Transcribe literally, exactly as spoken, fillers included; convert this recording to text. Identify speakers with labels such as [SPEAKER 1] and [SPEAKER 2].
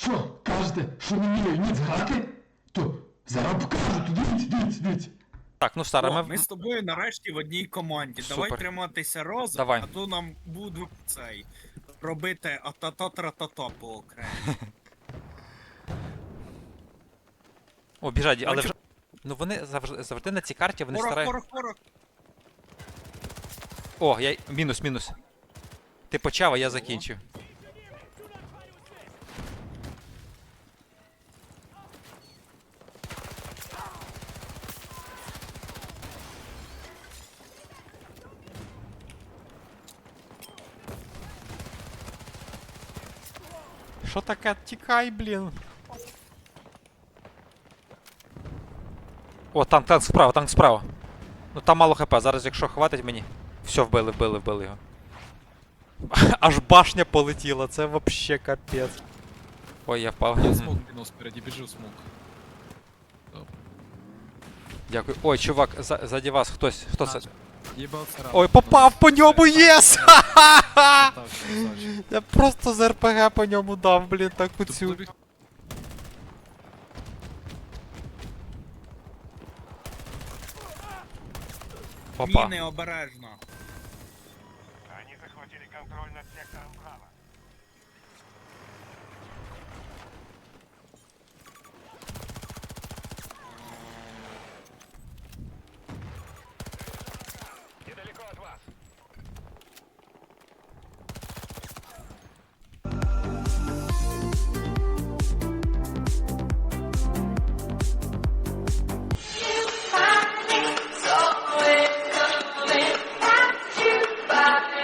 [SPEAKER 1] Що, кажете, що не вмію ніц грати? То зараз покажу, то дивіться, дивіться, дивіться.
[SPEAKER 2] Так, ну Сара,
[SPEAKER 3] О,
[SPEAKER 2] ми...
[SPEAKER 3] ми з тобою нарешті в одній команді. Давай
[SPEAKER 2] Супер.
[SPEAKER 3] триматися разом,
[SPEAKER 2] Давай.
[SPEAKER 3] а то нам будуть цей робити атата-тра-та-та по окремо.
[SPEAKER 2] О, біжать, але
[SPEAKER 3] Бачу.
[SPEAKER 2] вже... Ну вони завжди, завжди на цій карті, вони
[SPEAKER 3] Порох,
[SPEAKER 2] старають...
[SPEAKER 3] порох, порох.
[SPEAKER 2] О, я... Мінус, мінус. Ти почав, а я закінчив. Що таке? Тікай, блін. О, танк, танк справа, танк справа. Ну там мало хп, зараз якщо хватить мені. Все, вбили, вбили, вбили його. Аж башня полетіла, це вообще капець. Ой, я впав.
[SPEAKER 4] Я смог минус спереди, бежи в смог.
[SPEAKER 2] Дякую. Ой, чувак, за, заді вас хтось, хто це?
[SPEAKER 4] Ебался рано.
[SPEAKER 2] Ой, попав по ньому, єс! Ха-ха-ха!
[SPEAKER 4] Так, красавчик.
[SPEAKER 2] Я просто з РПГ по ньому дав, блін, таку
[SPEAKER 4] Тут
[SPEAKER 2] цю.
[SPEAKER 4] забег-
[SPEAKER 2] Опа.
[SPEAKER 3] Міни обережно.